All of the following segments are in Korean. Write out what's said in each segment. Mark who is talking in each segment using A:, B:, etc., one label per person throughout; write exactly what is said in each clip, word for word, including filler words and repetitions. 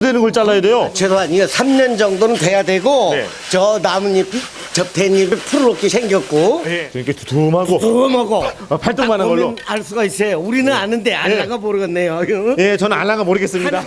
A: 되는 걸 잘라야 돼요?
B: 최소한 삼 년 정도는 돼야 되고
A: 네.
B: 저 나뭇잎이 접대잎이 푸르럽게 생겼고
A: 네. 이렇게 두툼하고
B: 두툼하고
A: 아, 팔뚝만한 걸로.
B: 보면 알 수가 있어요. 우리는 아는데 알라가 모르겠네요.
A: 예, 저는 알랑가 모르겠습니다.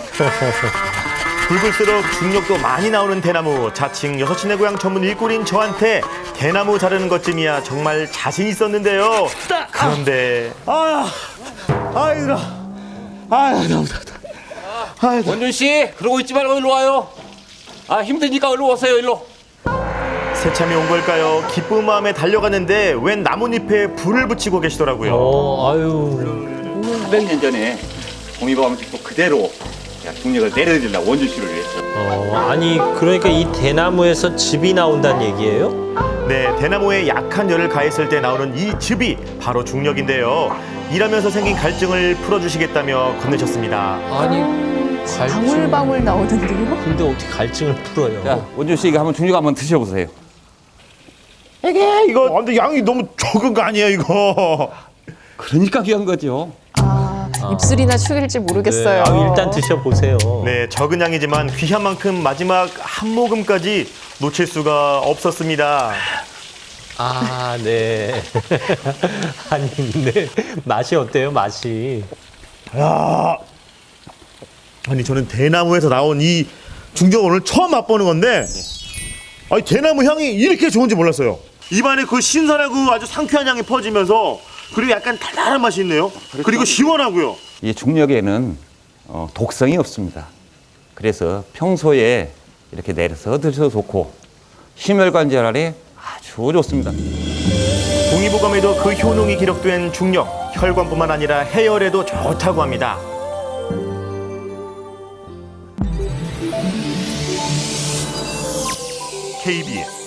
C: 굵을수록 중력도 많이 나오는 대나무. 자칭 여섯시내 고향 전문 일꾼인 저한테 대나무 자르는 것쯤이야 정말 자신 있었는데요. 그런데
A: 아, 아, 힘들어. 아, 너무 답답. 아,
D: 원준 씨, 그러고 있지 말고 일로 와요. 아, 힘드니까 일로 오세요, 일로.
C: 새참이 온 걸까요? 기쁜 마음에 달려갔는데 웬 나뭇잎에 불을 붙이고 계시더라고요.
E: 어, 아유.
D: 수백 년 전에 동의보감식도 그대로 제가 중력을 내려드리려고 원준 씨를 위해서.
E: 어, 아니, 그러니까 이 대나무에서 즙이 나온다는 얘기예요?
C: 네, 대나무에 약한 열을 가했을 때 나오는 이 즙이 바로 중력인데요. 일하면서 생긴 갈증을 풀어주시겠다며 건네셨습니다.
E: 아니, 갈증.
F: 방울방울 나오는데요?
E: 근데 어떻게 갈증을 풀어요?
D: 자, 원준 씨 이거 한번 중력 한번 드셔보세요.
A: 이게 이거 아, 근데 양이 너무 적은 거 아니에요, 이거?
D: 그러니까 귀한 거죠.
F: 아, 입술이나 축일지
E: 네,
F: 모르겠어요.
E: 아, 일단 드셔보세요.
C: 네, 적은 양이지만 귀한 만큼 마지막 한 모금까지 놓칠 수가 없었습니다.
E: 아, 네. 아니, 근데 맛이 어때요, 맛이?
A: 야, 아니 저는 대나무에서 나온 이 중력 오늘 처음 맛보는 건데, 아니 대나무 향이 이렇게 좋은지 몰랐어요. 입안에 그 신선하고 아주 상쾌한 향이 퍼지면서 그리고 약간 달달한 맛이 있네요. 그리고 시원하고요.
D: 이 중력에는 어, 독성이 없습니다. 그래서 평소에 이렇게 내려서 드셔도 좋고 심혈관 질환에 아주 좋습니다.
C: 동의보감에도 그 효능이 기록된 중력, 혈관뿐만 아니라 해열에도 좋다고 합니다. 케이비에스